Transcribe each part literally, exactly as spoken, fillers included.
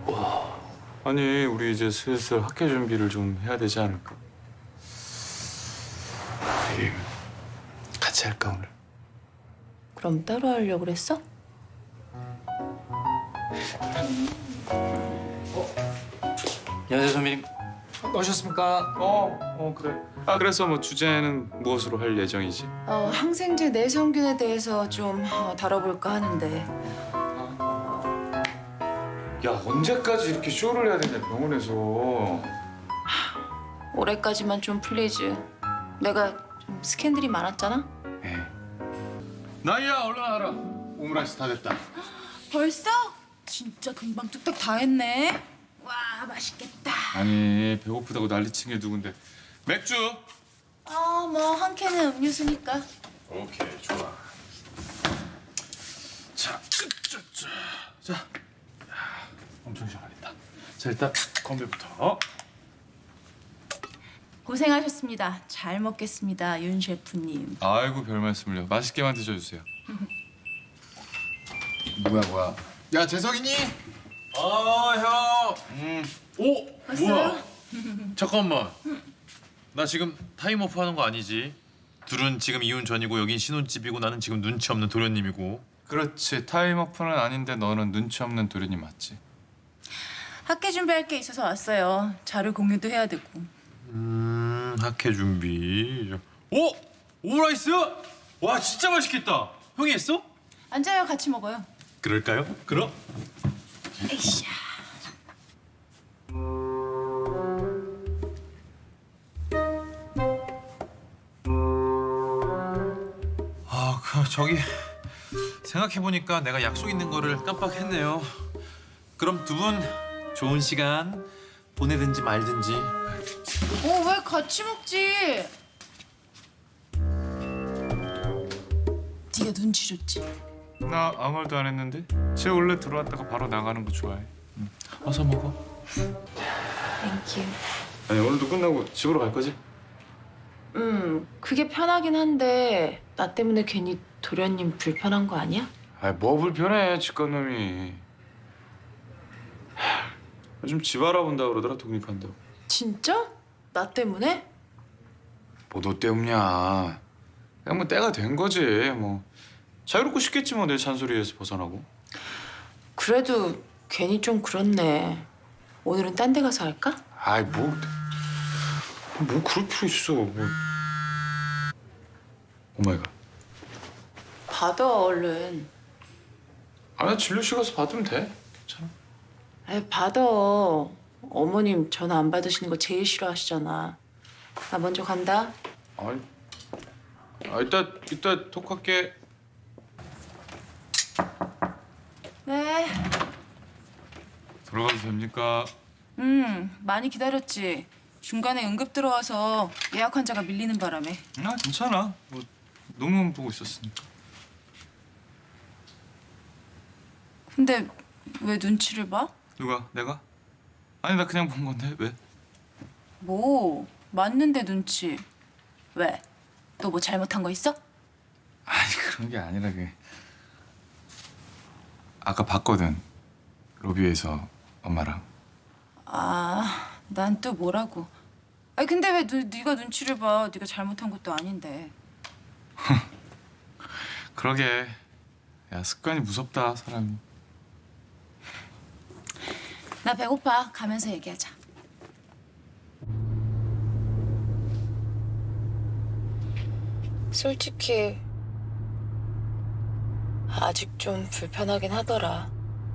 아니, 우리 이제 슬슬 학회 준비를 좀 해야 되지 않을까? 우리 같이 할까, 오늘? 그럼 따로 하려고 그랬어? 안녕하세요, 선배님. 오셨습니까? 어, 어, 그래. 아, 그래서 뭐 주제는 무엇으로 할 예정이지? 어, 항생제 내성균에 대해서 좀 어, 다뤄볼까 하는데. 야, 언제까지 이렇게 쇼를 해야 되냐, 병원에서. 올해까지만 좀 플리즈. 내가 좀 스캔들이 많았잖아? 에이. 나이야, 얼른 와라. 오므라이스 다 됐다. 벌써? 진짜 금방 뚝딱 다 했네. 와, 맛있겠다. 아니, 배고프다고 난리친 게 누군데. 맥주! 아, 뭐 한 캔은 음료수니까. 오케이, 좋아. 자, 자, 자, 자. 야, 엄청 시원하겠다. 자, 일단 건배부터. 고생하셨습니다. 잘 먹겠습니다, 윤 셰프님. 아이고, 별 말씀을요. 맛있게만 드셔주세요. 뭐야, 뭐야. 야, 재석이니? 어, 형. 음. 오, 왔어요? 뭐야? 잠깐만. 나 지금 타임오프 하는 거 아니지? 둘은 지금 이혼 전이고 여긴 신혼집이고 나는 지금 눈치 없는 도련님이고. 그렇지. 타임오프는 아닌데 너는 눈치 없는 도련님 맞지? 학회 준비할 게 있어서 왔어요. 자료 공유도 해야 되고. 음, 학회 준비. 오! 오므라이스? 와, 진짜 맛있겠다. 형이 했어? 앉아요, 같이 먹어요. 그럴까요? 그럼. 에이샤. 아, 그 저기 생각해 보니까 내가 약속 있는 거를 깜빡했네요. 그럼 두 분 좋은 시간 보내든지 말든지. 어, 왜 같이 먹지? 네가 눈치 줬지? 나 아무 말도 안 했는데? 쟤 원래 들어왔다가 바로 나가는 거 좋아해. 응. 어서 먹어. 땡큐. 아니, 오늘도 끝나고 집으로 갈 거지? 음, 그게 편하긴 한데 나 때문에 괜히 도련님 불편한 거 아니야? 아이, 뭐 불편해, 집간놈이. 하, 요즘 집 알아본다 그러더라, 독립한다고. 진짜? 나 때문에? 뭐 너 때문이야. 그냥 뭐 때가 된 거지, 뭐. 자유롭고 싶겠지 뭐, 내 잔소리에서 벗어나고. 그래도 괜히 좀 그렇네. 오늘은 딴 데 가서 할까? 아이, 뭐. 뭐 그럴 필요 있어, 뭐. 오마이갓. 받아, 얼른. 아, 나 진료실 가서 받으면 돼. 괜찮아. 아, 받아. 어머님 전화 안 받으시는 거 제일 싫어하시잖아. 나 먼저 간다. 아이, 아, 이따, 이따 톡할게. 네. 들어가도 됩니까? 음, 많이 기다렸지. 중간에 응급 들어와서 예약 환자가 밀리는 바람에. 아, 괜찮아. 뭐 논문 보고 있었으니까. 근데 왜 눈치를 봐? 누가? 내가? 아니, 나 그냥 본 건데 왜? 뭐, 맞는데 눈치. 왜? 또 뭐 잘못한 거 있어? 아니, 그런 게 아니라 그 아까 봤거든. 로비에서 엄마랑. 아, 난 또 뭐라고. 아니 근데 왜 너, 네가 눈치를 봐? 네가 잘못한 것도 아닌데. 그러게. 야, 습관이 무섭다, 사람이. 나 배고파. 가면서 얘기하자. 솔직히 아직 좀 불편하긴 하더라.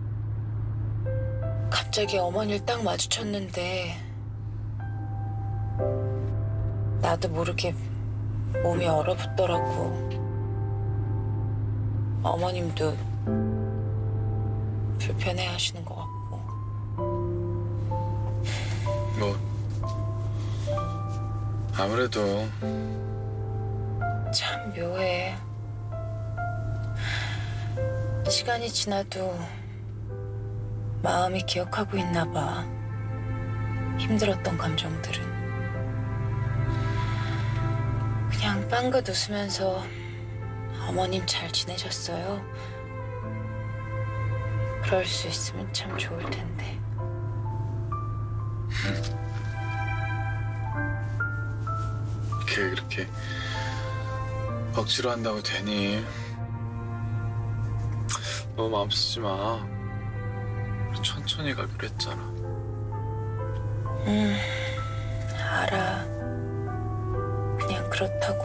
갑자기 어머니를 딱 마주쳤는데 나도 모르게 몸이 얼어붙더라고. 어머님도 불편해 하시는 것 같고. 뭐 아무래도 참 묘해. 시간이 지나도 마음이 기억하고 있나 봐. 힘들었던 감정들은. 그냥 빵긋 웃으면서 어머님 잘 지내셨어요? 그럴 수 있으면 참 좋을 텐데. 걔 그렇게 억지로 한다고 되니? 너무 마음 쓰지 마. 우리 천천히 가기로 했잖아. 음, 알아. 그냥 그렇다고.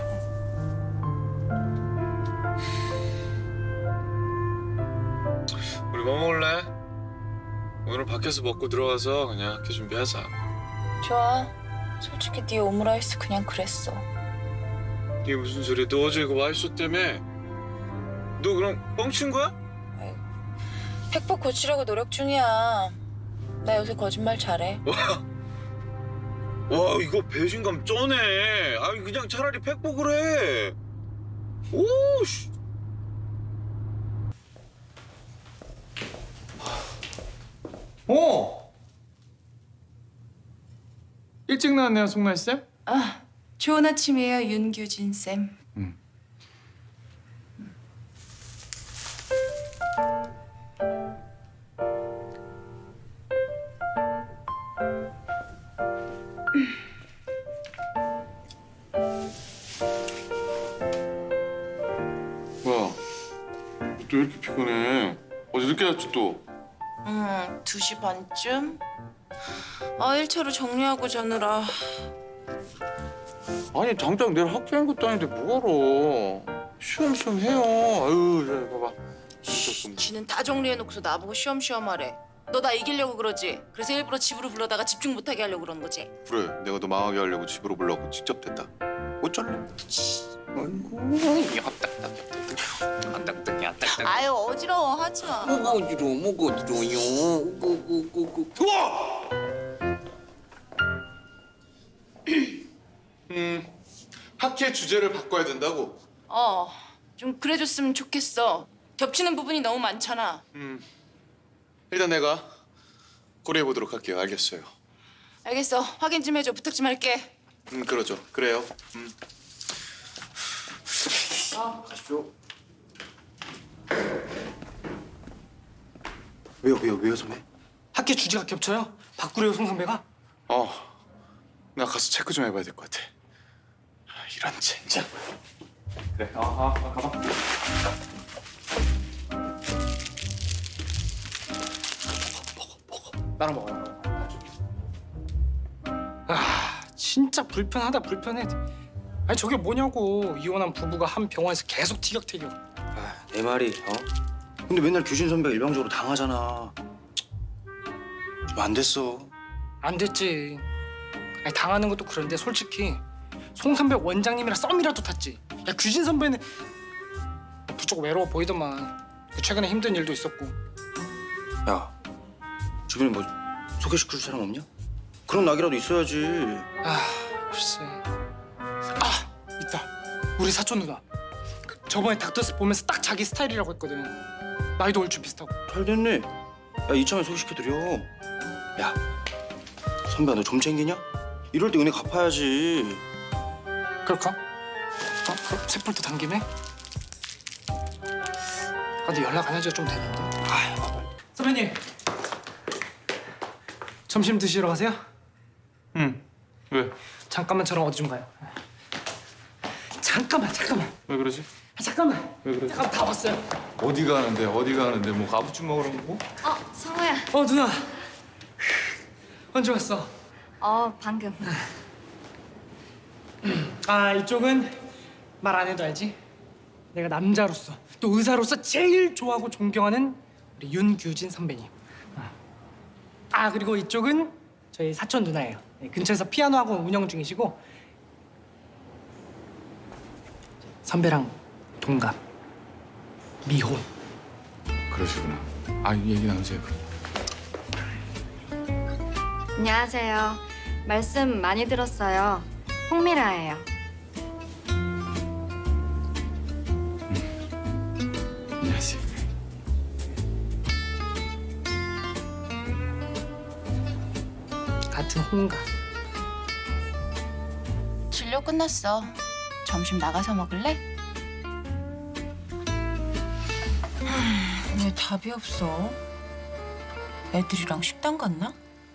우리 뭐 먹을래? 오늘은 밖에서 먹고 들어가서 그냥 학교 준비하자. 좋아. 솔직히 네 오므라이스 그냥 그랬어. 이게 무슨 소리야? 너 어제 이거 맛있었다며? 너 그럼 뻥친 거야? 팩폭 고치려고 노력 중이야. 나 요새 거짓말 잘해. 와 이거 배신감 쩌네. 아 그냥 차라리 팩복을 해. 오씨. 어. 일찍 나왔네요, 송날 쌤. 아, 좋은 아침이에요, 윤규진 쌤. 응. 뭐야? 또 왜 이렇게 피곤해? 어제 늦게 잤지 또? 음, 두 시 반쯤? 아, 일 차로 정리하고 자느라. 아니 당장 내일 학교인 것도 아닌데 뭐하러? 쉬엄쉬엄 해요. 아유, 자, 봐봐. 쉿, 지는 다 정리해놓고서 나보고 쉬엄쉬엄 하래. 너 나 이기려고 그러지? 그래서 일부러 집으로 불러다가 집중 못하게 하려고 그러는 거지? 그래, 내가 너 망하게 하려고 집으로 불러고 직접 됐다. 어쩔래? 아이고, 야딱딱딱딱, 야딱딱. 아유, 어지러워. 하지 마. 뭐가 어지러워, 뭐가 어지러워요. 고고고고. 우와! 음, 학회 주제를 바꿔야 된다고. 어, 좀 그래줬으면 좋겠어. 겹치는 부분이 너무 많잖아. 음, 일단 내가 고려해 보도록 할게요. 알겠어요. 알겠어. 확인 좀 해줘. 부탁 좀 할게. 음, 그러죠. 그래요. 음. 아, 가시죠. 왜요, 왜요, 왜요, 선배? 학교 주제가 겹쳐요? 바꾸래요, 송 선배가? 어, 나 가서 체크 좀 해봐야 될 것 같아. 아, 이런 젠장. 그래, 아, 아, 아 가봐. 나랑 먹어요. 아, 진짜 불편하다, 불편해. 아니 저게 뭐냐고. 이혼한 부부가 한 병원에서 계속 티격태격. 아, 내 말이, 어? 근데 맨날 규진 선배가 일방적으로 당하잖아. 좀 안 됐어. 안 됐지. 아니 당하는 것도 그런데 솔직히 송 선배 원장님이랑 썸이라도 탔지. 야, 규진 선배는 부쩍 외로워 보이더만. 최근에 힘든 일도 있었고. 야, 주변에 뭐 소개시켜줄 사람 없냐? 그런 낙이라도 있어야지. 아, 글쎄. 아, 있다. 우리 사촌 누나. 그 저번에 닥터스 보면서 딱 자기 스타일이라고 했거든. 나이도 얼추 비슷하고. 잘 됐네. 야, 이참에 소개시켜드려. 야, 선배야, 너 좀 챙기냐? 이럴 때 은혜 갚아야지. 그럴까? 어? 그럼 세폴도 당김에? 아, 근데 연락 안 한 지가 좀 됐는데. 아휴, 선배님. 점심 드시러 가세요? 응. 왜? 잠깐만 저랑 어디 좀 가요. 잠깐만, 잠깐만. 왜 그러지? 아, 잠깐만. 왜 그러지? 잠깐 다 왔어요. 어디 가는데? 어디 가는데? 뭐 가부찜 먹으러 가고? 어, 성우야. 어, 누나. 언제 왔어? 어, 방금. 아, 이쪽은 말 안 해도 알지? 내가 남자로서 또 의사로서 제일 좋아하고 존경하는 우리 윤규진 선배님. 아, 그리고 이쪽은 저희 사촌 누나예요. 네, 근처에서 피아노 학원 운영 중이시고 선배랑 동갑 미혼. 그러시구나. 아, 얘기 나누세요. 안녕하세요. 말씀 많이 들었어요. 홍미라예요. 안녕하세요. 같은 홍갑. 진료 끝났어. 점심 나가서 먹을래? 하, 왜 답이 없어? 애들이랑 식당 갔나?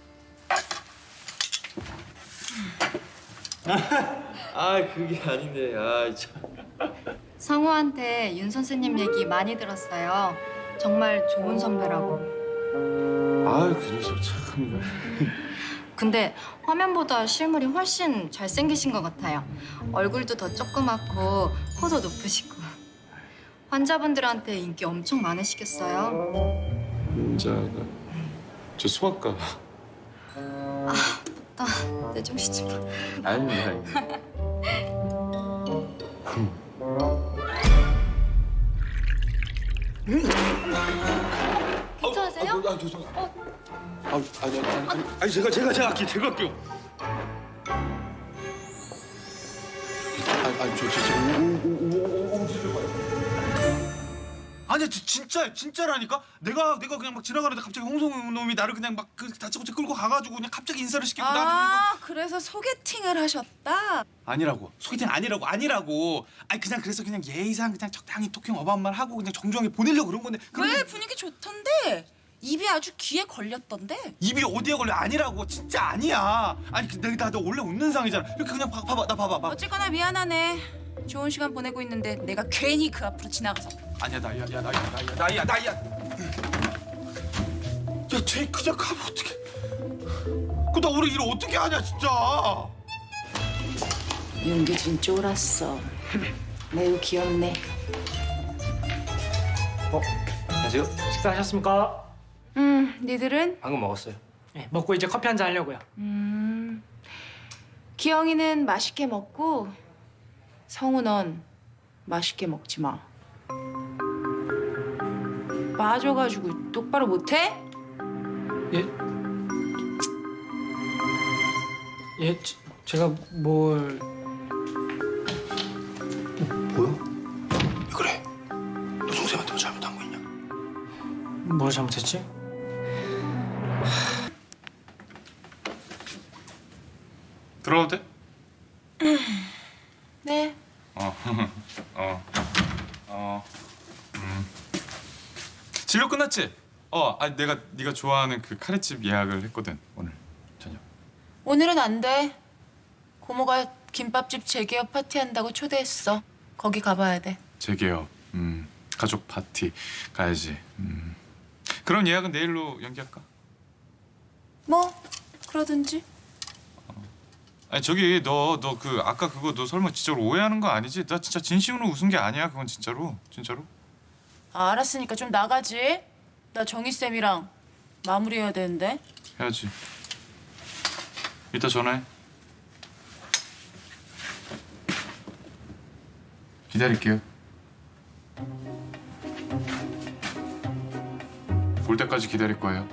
아 그게 아닌데 아 참. 성우한테 윤 선생님 얘기 많이 들었어요. 정말 좋은 선배라고. 아그 녀석 참. 근데 화면보다 실물이 훨씬 잘생기신 것 같아요. 얼굴도 더 조그맣고 코도 높으시고. 환자분들한테 인기 엄청 많으시겠어요? 윤자가 저 소아과. 나 내 정신 좀 봐. 아닙니다. 아닙니다. 괜찮으세요? 아, 죄송해요. 아, 아니, 아니, 아니, 아니, 제가, 제가, 제가 할게요. 제가 할게요. 아니, 아니, 저, 저, 저, 오, 오, 오, 오, 오, 진짜 봐요. 아니 지- 진짜 진짜라니까. 내가 내가 그냥 막 지나가는데 갑자기 홍성우 놈이 나를 그냥 막 그 다짜고짜 끌고 가가지고 그냥 갑자기 인사를 시키고 나는 아, 그래서 소개팅을 하셨다? 아니라고. 소개팅 아니라고 아니라고. 아니 그냥 그래서 그냥 예의상 그냥 적당히 토킹 어바웃만 하고 그냥 정중하게 보내려고 그런 건데. 그런데 왜? 분위기 좋던데? 입이 아주 귀에 걸렸던데? 입이 어디에 걸려? 아니라고. 진짜 아니야. 아니 그 내가 나 원래 웃는 상이잖아. 이렇게 그냥 봐, 봐봐 나 봐봐 봐. 어쨌거나 미안하네. 좋은 시간 보내고 있는데 내가 괜히 그 앞으로 지나가서. 아니야 나야 야 나야 나야 나야 나야. 야쟤 그냥 가면 어떡해. 그나 우리 일 어떻게 하냐 진짜. 윤규진 쫄았어. 매우 귀엽네. 안녕하세요. 식사하셨습니까? 음, 니들은? 방금 먹었어요. 네, 먹고 이제 커피 한잔 하려고요. 음, 기영이는 맛있게 먹고 성우 넌 맛있게 먹지 마. 빠져가지고 똑바로 못해? 예? 예, 제- 제가 뭘... 뭐야? 왜 그래? 너 동생한테 뭐 잘못한 거 있냐? 뭘 잘못했지? 들어가도 돼? 네. 어. 어. 어. 음. 진료 끝났지? 어, 아니 내가 네가 좋아하는 그 카레집 예약을 했거든 오늘 저녁. 오늘은 안 돼. 고모가 김밥집 재개업 파티한다고 초대했어. 거기 가봐야 돼. 재개업. 음. 가족 파티 가야지. 음. 그럼 예약은 내일로 연기할까? 뭐 그러든지. 아니 저기 너 너 그 아까 그거 너 설마 진짜로 오해하는 거 아니지? 나 진짜 진심으로 웃은 게 아니야. 그건 진짜로. 진짜로. 아, 알았으니까 좀 나가지. 나 정희 쌤이랑 마무리해야 되는데. 해야지. 이따 전화해. 기다릴게요. 올 때까지 기다릴 거예요.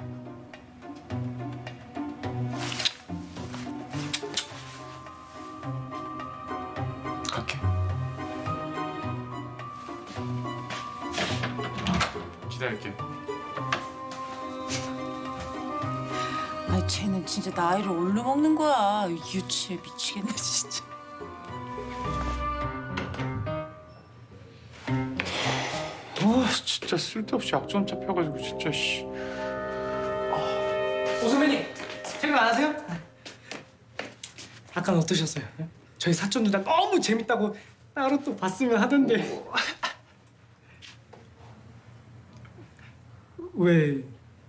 갈게. 기다릴게. 아, 쟤는 진짜 나이를 올려 먹는 거야. 유치해 미치겠네 진짜. 아 진짜 쓸데없이 약점 잡혀가지고 진짜 씨. 오 선배님, 생각 안 하세요? 아까는 어떠셨어요? 저희 사촌 누나 너무 재밌다고 따로 또 봤으면 하던데. 왜?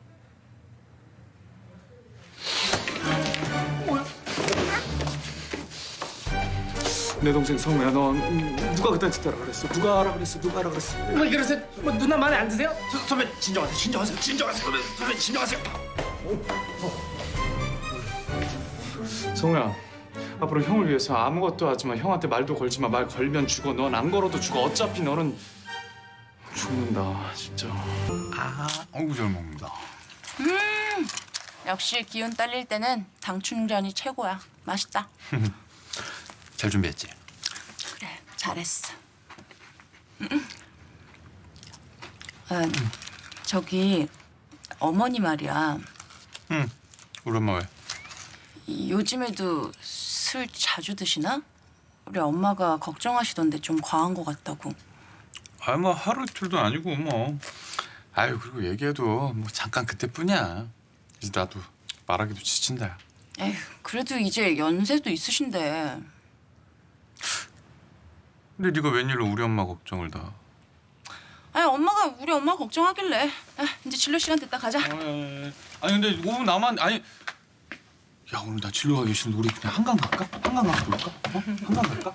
내 동생 성우야, 너 음, 누가 그딴 짓 하라 그랬어? 누가 하라 그랬어? 누가 하라 그랬어? 뭐 그러세요? 뭐 누나 마음에 안 드세요? 서, 선배 진정하세요. 진정하세요. 진정하세요. 선배, 선배 진정하세요. 성우야, 앞으로 형을 위해서 아무것도 하지 마. 형한테 말도 걸지 마. 말 걸면 죽어. 넌 안 걸어도 죽어. 어차피 너는 죽는다, 진짜. 아, 어우 잘 먹는다. 역시 기운 딸릴 때는 당 충전이 최고야. 맛있다. 잘 준비했지? 그래, 잘했어. 음. 아, 저기 어머니 말이야. 응. 우리 엄마 왜? 이- 요즘에도 술 자주 드시나? 우리 엄마가 걱정하시던데 좀 과한 것 같다고. 아, 뭐 하루 이틀도 아니고 뭐. 아유, 그리고 얘기해도 뭐 잠깐 그때뿐이야. 이제 나도 말하기도 지친다. 야. 에휴, 그래도 이제 연세도 있으신데. 근데 네가 웬일로 우리 엄마 걱정을 다. 아니 엄마가 우리 엄마 걱정하길래. 아, 이제 진료 시간 됐다 가자. 아니, 아니 근데 오 분 남았 아니. 야 오늘 나 진료 가기 싫은데 우리 그냥 한강 갈까? 한강 가서 놀까? 어? 한강 갈까?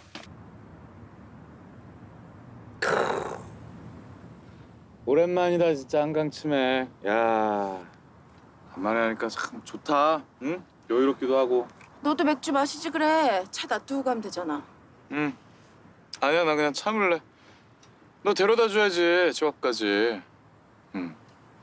오랜만이다 진짜 한강 치매. 야 간만에 하니까 참 좋다. 응? 여유롭기도 하고. 너도 맥주 마시지 그래. 차 놔두고 가면 되잖아. 응. 아니야 나 그냥 참을래. 너 데려다 줘야지 집 앞까지. 응.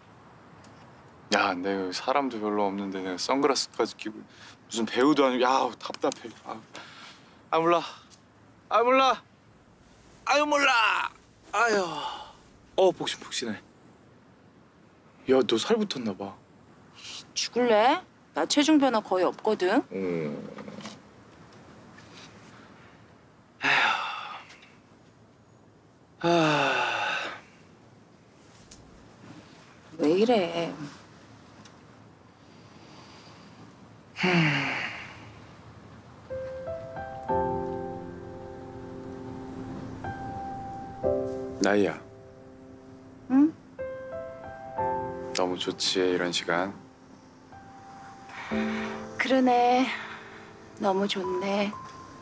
야 내가 여기 사람도 별로 없는데 내가 선글라스까지 끼고 무슨 배우도 아니고 야 답답해. 아, 아 몰라. 아 몰라. 아유 몰라. 아유. 어 복신복신해. 야 너 살 붙었나 봐. 죽을래? 나 체중 변화 거의 없거든. 음. 아. 왜 이래? 나이야. 응? 너무 좋지 이런 시간. 그러네. 너무 좋네.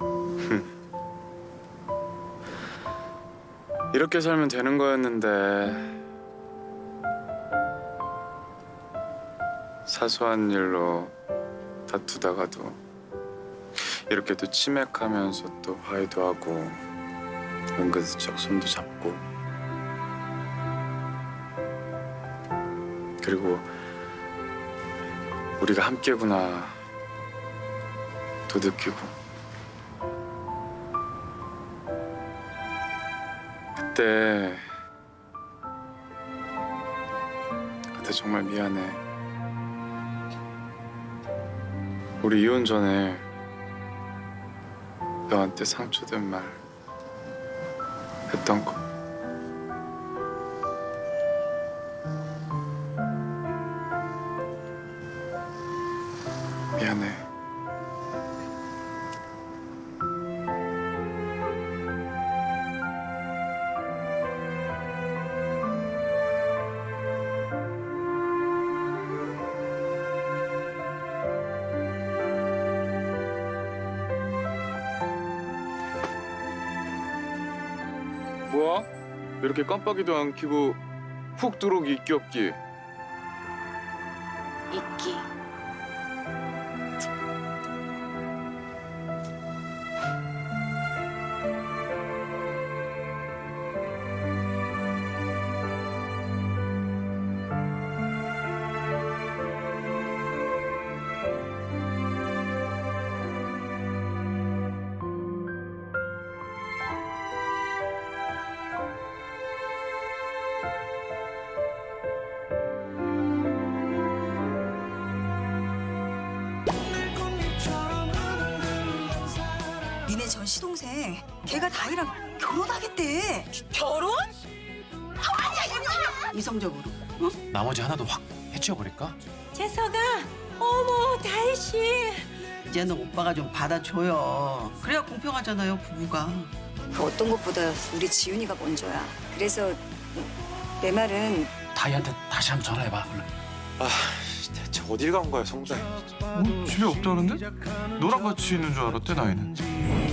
이렇게 살면 되는 거였는데 사소한 일로 다투다가도 이렇게 또 치맥하면서 또 화해도 하고 은근슬쩍 손도 잡고 그리고 우리가 함께구나 또 느끼고 그때 그때 정말 미안해. 우리 이혼 전에 너한테 상처된 말 했던 거. 미안해. 뭐야? 이렇게 깜빡이도 안 켜고 훅 들어오기 있기 없기. 있기. 니네 전 시동생 걔가 다이랑 결혼하겠대. 결혼? 이성적으로. 나머지 하나도 확 해치워버릴까? 재석아, 어머 다희 씨. 이제는 오빠가 좀 받아줘요. 그래야 공평하잖아요 부부가. 어떤 것보다 우리 지훈이가 먼저야. 그래서 내 말은 다희한테 다시 한번 전화해봐 얼른. 아 대체 어딜 간 거야 성장이. 어? 집에 없다는데? 너랑 같이 있는 줄 알았대 나이는.